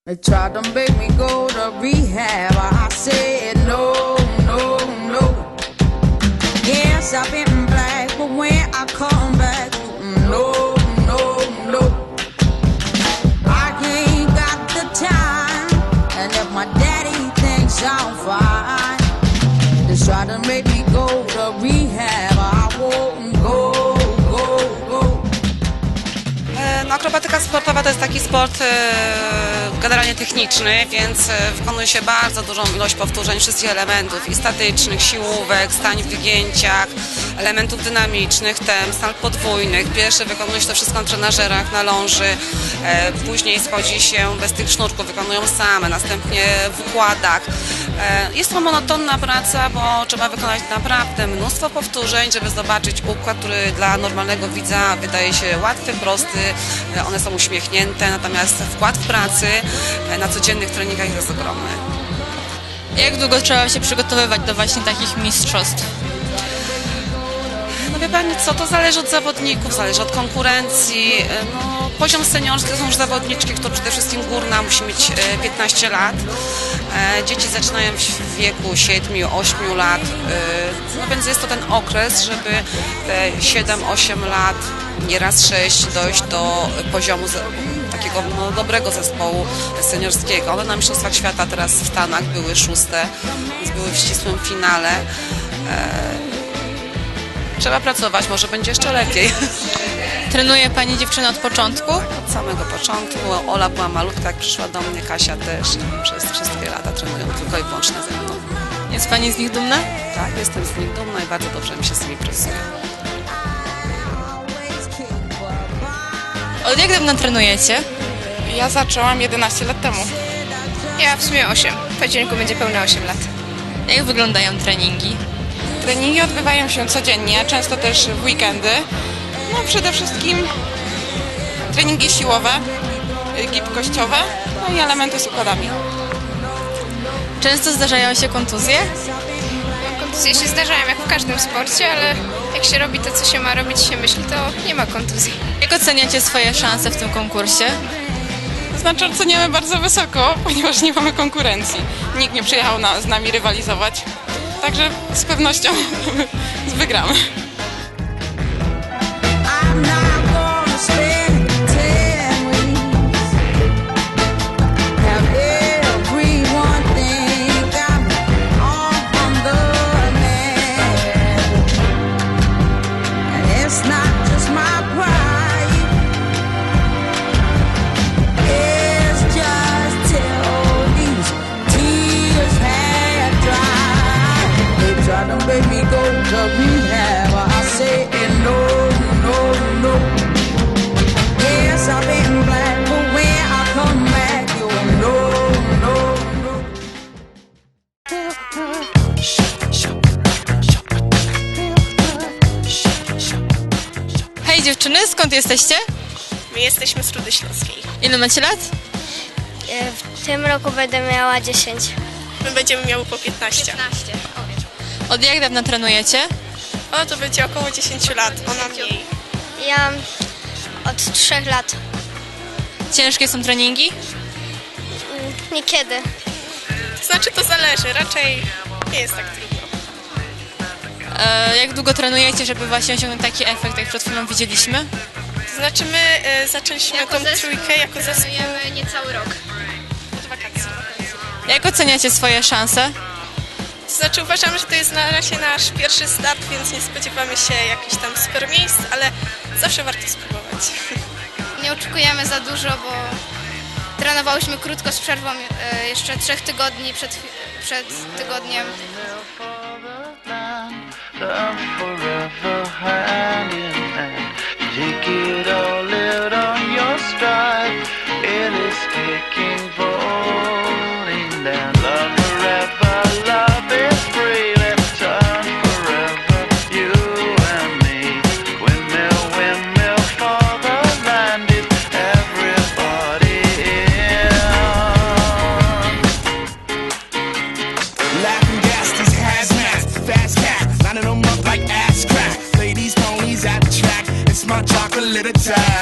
They tried to make me go to rehab. I said no, no, no. Yes, I've been black, but when I come back, no, no, no. I ain't got the time, and if my daddy thinks I'm fine, they try to make me go to rehab. I won't go, go, go. No, akrobatyka sportowa to jest taki sport generalnie techniczny, więc wykonuje się bardzo dużą ilość powtórzeń wszystkich elementów i statycznych, siłówek, stań w wygięciach, elementów dynamicznych, stan podwójnych. Pierwsze wykonuje się to wszystko na trenażerach, na ląży, później schodzi się bez tych sznurków, wykonują same, następnie w układach. Jest to monotonna praca, bo trzeba wykonać naprawdę mnóstwo powtórzeń, żeby zobaczyć układ, który dla normalnego widza wydaje się łatwy, prosty, one są uśmiechnięte, natomiast wkład w pracy na codziennych treningach jest ogromny. Jak długo trzeba się przygotowywać do właśnie takich mistrzostw? No wie Pani co, to zależy od zawodników, zależy od konkurencji. No, poziom seniorski to są już zawodniczki, które przede wszystkim górna musi mieć 15 lat. Dzieci zaczynają w wieku 7-8 lat, no więc jest to ten okres, żeby te 7-8 lat, nieraz 6, dojść do poziomu takiego dobrego zespołu seniorskiego. One na Mistrzostwach Świata teraz w Stanach były 6, więc były w ścisłym finale. Trzeba pracować, może będzie jeszcze lepiej. Trenuje Pani dziewczynę od początku? Od samego początku. Ola była malutka, jak przyszła do mnie, Kasia też. Przez wszystkie lata trenują tylko i wyłącznie ze mną. Jest Pani z nich dumna? Tak, jestem z nich dumna i bardzo dobrze mi się z nimi pracuje. Od jak dawno trenujecie? Ja zaczęłam 11 lat temu. Ja w sumie 8. W październiku będzie pełne 8 lat. Jak wyglądają treningi? Treningi odbywają się codziennie, często też w weekendy. No przede wszystkim treningi siłowe, gibkościowe, no i elementy z układami. Często zdarzają się kontuzje? Kontuzje się zdarzają jak w każdym sporcie, ale jak się robi to, co się ma robić, się myśli, to nie ma kontuzji. Jak oceniacie swoje szanse w tym konkursie? To znaczy oceniamy bardzo wysoko, ponieważ nie mamy konkurencji. Nikt nie przyjechał z nami rywalizować, także z pewnością wygramy. I'm not gonna spend 10 weeks. Have everyone think I'm on the man. And it's not just my pride. It's just till these tears had dried. They try to make me go to rehab. I say no. No, no. Yes, I've been black, but when I come back, you'll know, no, no. Hej dziewczyny, skąd jesteście? My jesteśmy z Rudy Śląskiej. Ile macie lat? W tym roku będę miała 10. My będziemy miały po 15. Od jak dawna trenujecie? O, to będzie około 10 lat, ona mniej. Ja od 3 lat. Ciężkie są treningi? Niekiedy. To znaczy to zależy, raczej nie jest tak trudno. Jak długo trenujecie, żeby właśnie osiągnąć taki efekt, jak przed chwilą widzieliśmy? To znaczy my zaczęliśmy tą trójkę jako zespół niecały rok. od wakacji. Jak oceniacie swoje szanse? To znaczy uważamy, że to jest na razie nasz pierwszy start, więc nie spodziewamy się jakichś tam super miejsc, ale zawsze warto spróbować. Nie oczekujemy za dużo, bo trenowałyśmy krótko z przerwą jeszcze 3 tygodni przed tygodniem. Forever hand in hand. Take it all out on your stride. It is taking, falling down. Love forever, love is free. Let's turn forever, you and me. Windmill, windmill for the land. Is everybody in? Laughing gas, these hazmats, fast cat, lining them up like ass crack. Ladies, ponies at the track, it's my chocolate little time.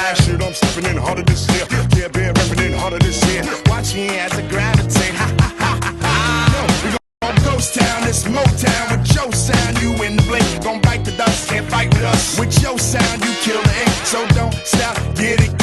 as I gravitate. Ha ha ha ha ha. We gon' ghost town, this Motown with your sound. You in the blink, gon' bite the dust, can't fight with us. With your sound, you kill the ink, so don't stop, get it.